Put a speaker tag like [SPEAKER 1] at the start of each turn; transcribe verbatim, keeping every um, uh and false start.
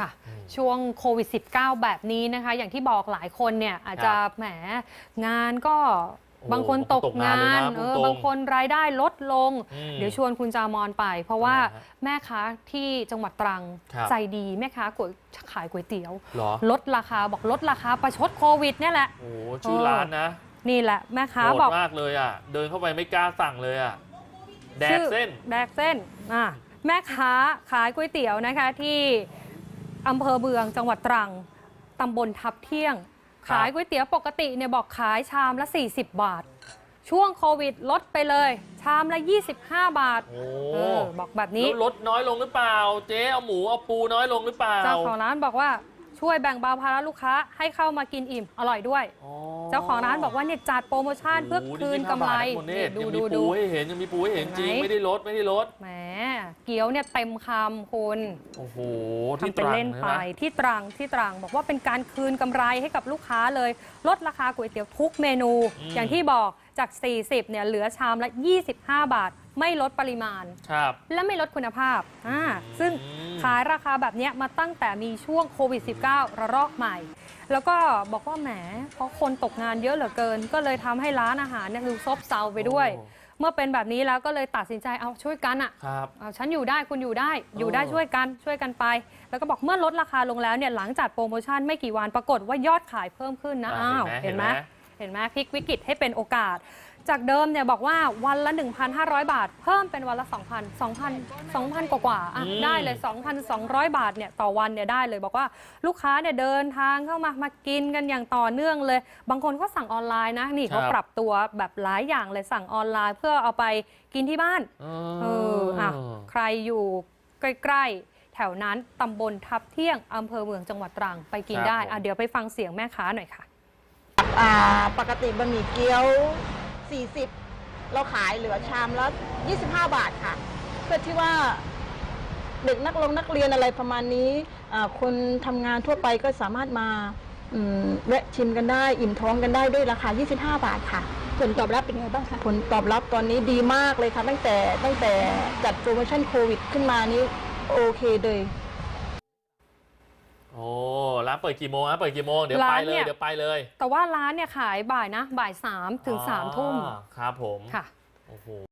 [SPEAKER 1] ค่ะช่วงโควิด สิบเก้า แบบนี้นะคะอย่างที่บอกหลายคนเนี่ยอาจจะแหมงานก็บางคนตกงานเออบางคนรายได้ลดลงเดี๋ยวชวนคุณจามอนไปเพราะว่าแม่ค้าที่จังหวัดตรังใจดีแม่ค้าขายก๋วยเตี๋ยวลดราคาบอกลดราคาประชดโควิดเนี่ยแหละ
[SPEAKER 2] โอ้ชื่อร้านนะ
[SPEAKER 1] นี่แหละแม่ค้าบอก
[SPEAKER 2] มากเลยอ่ะเดินเข้าไปไม่กล้าสั่งเลยอ่ะแดกเส้น
[SPEAKER 1] แดกเส้นอ่ะแม่ค้าขายก๋วยเตี๋ยวนะคะที่อำเภอเมืองจังหวัดตรังตำบลทับเที่ยงขายก๋วยเตี๋ยวปกติเนี่ยบอกขายชามละสี่สิบบาทช่วงโควิดลดไปเลยชามละยี่สิบห้าบาท
[SPEAKER 2] โอ้
[SPEAKER 1] บอกแบบนี้
[SPEAKER 2] ลดน้อยลงหรือเปล่าเจ๊เอาหมูเอาปูน้อยลงหรือเปล่า
[SPEAKER 1] เจ้าของร้านบอกว่าช่วยแบ่งเบาภาระลูกค้าให้เข้ามากินอิ่มอร่อยด้วยเจ้าของร้านบอกว่าเนี่ยจัดโปรโมชั่นเพื่อคืนกำไร
[SPEAKER 2] ดูดูดูให้เห็นยังมีปูให้เห็นจริงไม่ได้ลดไม่ได้ลด
[SPEAKER 1] แหมเกี๊ยวเนี่ยเต็มคำคุณ
[SPEAKER 2] โอ้โห
[SPEAKER 1] ที่ตรังเล่นไปที่ตรังที่ตรังบอกว่าเป็นการคืนกำไรให้กับลูกค้าเลยลดราคาก๋วยเตี๋ยวทุกเมนูอย่างที่บอกจากสี่สิบเนี่ยเหลือชามละยี่สิบห้าบาทไม่ลดปริมาณและไม่ลดคุณภาพอ่าซึ่งขายราคาแบบนี้มาตั้งแต่มีช่วงโควิด สิบเก้า ระลอกใหม่แล้วก็บอกว่าแหมเพราะคนตกงานเยอะเหลือเกินก็เลยทำให้ร้านอาหารเนี่ยดูซบเซาไปด้วยเมื่อเป็นแบบนี้แล้วก็เลยตัดสินใจเอาช่วยกันอ่ะฉันอยู่ได้คุณอยู่ได้อยู่ได้ช่วยกันช่วยกันไปแล้วก็บอกเมื่อลดราคาลงแล้วเนี่ยหลังจากโปรโมชั่นไม่กี่วันปรากฏว่ายอดขายเพิ่มขึ้นนะอ้าวเห็นไหมเห็นไหมพลิกวิกฤตให้เป็นโอกาสจากเดิมเนี่ยบอกว่าวันละ หนึ่งพันห้าร้อย บาทเพิ่มเป็นวันละ สองพัน สองพัน สองพัน กว่าๆอ่ะได้เลย สองพันสองร้อย บาทเนี่ยต่อวันเนี่ยได้เลยบอกว่าลูกค้าเนี่ยเดินทางเข้ามามากินกันอย่างต่อเนื่องเลยบางคนก็สั่งออนไลน์นะนี่เขาปรับตัวแบบหลายอย่างเลยสั่งออนไลน์เพื่อเอาไปกินที่บ้านเอออ่ะใครอยู่ใกล้ๆแถวนั้นตำบลทับเที่ยงอำเภอเมืองจังหวัดตรังไปกินได้อ่ะเดี๋ยวไปฟังเสียงแม่ค้าหน่อยค่ะ
[SPEAKER 3] ปกติบะหมี่เกี๊ยวสี่สิบเราขายเหลือชามละยี่สิบห้าบาทค่ะเพื่อที่ว่าเด็กนักลงนักเรียนอะไรประมาณนี้คนทำงานทั่วไปก็สามารถมาแวะชิมกันได้อิ่มท้องกันได้ด้วยราคายี่สิบห้าบาทค่ะผลตอบรับเป็นไงบ้างคะผลตอบรับตอนนี้ดีมากเลยค่ะตั้งแต่ตั้งแต่จัดโปรโมชั่นโควิดขึ้นมานี้โอเคเลย
[SPEAKER 2] โอ้ร้านเปิดกี่โมงนะเปิดกี่โมงเดี๋ยวไปเลยเดี๋ยวไปเลย
[SPEAKER 1] แต่ว่าร้านเนี่ยขายบ่ายนะบ่ายสามถึงสามทุ่ม
[SPEAKER 2] ครับผม
[SPEAKER 1] ค่ะ
[SPEAKER 2] โอ้โห